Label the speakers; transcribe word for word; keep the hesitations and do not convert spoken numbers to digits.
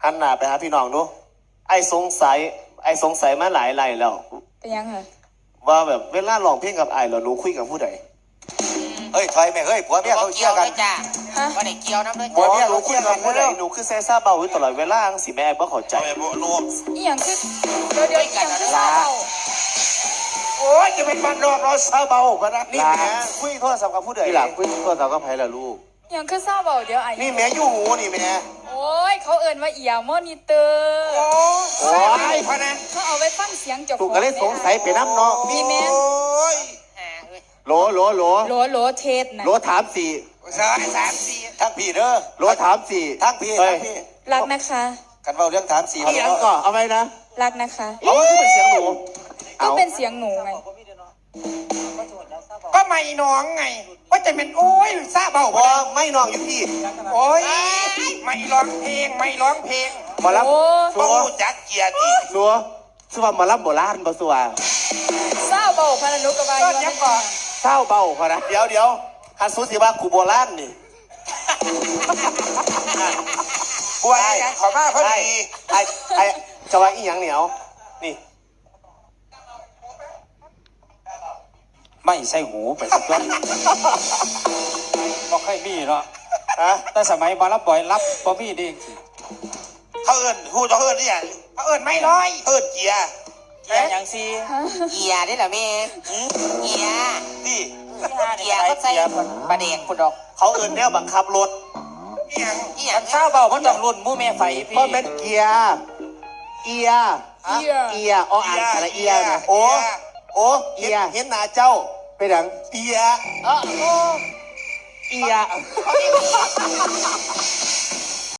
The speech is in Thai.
Speaker 1: หันหน้าไปหาพี่น้องดูไอ้สงสัยไอ้สงสัยมาหลายไรแล้ว
Speaker 2: เป็นยังไง
Speaker 1: ว่าแบบเวลาร้องเพลงกับไอ้เราหนูคุยกับผู้ใด
Speaker 3: เฮ้ยถอยแม่เฮ้ยผัวเมียเขาเชี่ยกัน
Speaker 4: จ้าว่าได้เกี่ยวน้ำด้วย
Speaker 1: ผัวเมียหนูคุยกับผู้ใดหนูคือแซ่ซ่าเบาอยู่ตลอดเวลาสิแม่บ่เข้าใจ
Speaker 2: อีหยังคือเดี๋ยวเดี๋ยวอีหยังคือเศร้า
Speaker 3: โอ้ยจะเป็นบ้านนอกเราซาเบาปะนะ
Speaker 1: นี่แม่คุยโทรศัพท์กับผู้ใด
Speaker 5: ที่หลังคุยโทรศัพท์กับใครล่ะลูก
Speaker 2: อีหยังคือเศร้าเบาเดี๋ยวไอ้
Speaker 1: นี่แม่ยู่หูนี่แม่
Speaker 2: โอ้ยเขาเอิ้นว่าเอียมอนิเตอร์
Speaker 3: โอ้ยพะนะ
Speaker 2: เขาเอาไว้ฟังเสียงเจ้าของ
Speaker 5: ถูกก็เลยสงสัยไปน้ำเนาะ
Speaker 2: มีแม่
Speaker 5: โหลโหลโหล
Speaker 2: โหลโหลเทสนะ
Speaker 5: โหลถามสี่
Speaker 3: สามสามสี่ทั้งพี่เด้อ
Speaker 5: โหลถามสี่
Speaker 3: ทั้งพี่ทั้งพี่
Speaker 2: รักนะคะ
Speaker 3: กันเบาเรื่องถามสี่
Speaker 5: เอาเรื่องก่อนเอาไว้นะ
Speaker 2: รักนะคะ
Speaker 1: เอาคือเป็นเสียงหนู
Speaker 2: ก็เป็นเสียงหนูไง
Speaker 3: ก็ไม่น้องไงว่าจะเป็นโอ้ยซาเบา
Speaker 1: พอไม่น้องอยู่พี่
Speaker 3: โอ้ยไม่ร้องเพลงไม่ร้องเพลง
Speaker 5: มารับ
Speaker 3: สัวจักเกียรติ
Speaker 5: สัวสัวมารับโบราณบ่สัว
Speaker 2: เศร้าเบาพนันุกบาล
Speaker 3: ยังก่อน
Speaker 5: เศร้าเบาพอนะ
Speaker 1: เดี๋ยวเดี๋ยวฮันซูสิว่ากูโบราณนี่
Speaker 3: กูไอ้ขอมาพอดี
Speaker 1: ไอ้ไอ้จะว่าอีหยังเหนียวนี่
Speaker 6: ไม่ใส่หูไปสักวันบอกให้มีเนาะแต่สมัยมารับบ่อยรับบ่มีดี
Speaker 3: เขาเอิญหูเขาเอิญนี่อย่างเขาเอิญไม่ร้อยเอิญเกียร์
Speaker 6: เกียร์อย่างซี
Speaker 4: เกียร์ได้เหรอแม่เกียร์
Speaker 3: นี่
Speaker 4: เกียร์เขาใส่ประเด็กคุณดอก
Speaker 1: เขาเอิญแนวบังคับรถ
Speaker 3: เอียง
Speaker 4: เอียง
Speaker 6: ข้าวเบาเพราะต้องรุ่นมูแม่ไฟพี่
Speaker 5: เพราะเป็นเกียร์เอียเอียเอียอ๋ออ่านอะไรเอียนะ
Speaker 1: โอ้โอ้เอียเห็นหน้าเจ้า
Speaker 5: ไปดัง
Speaker 1: เอีย
Speaker 5: เอีย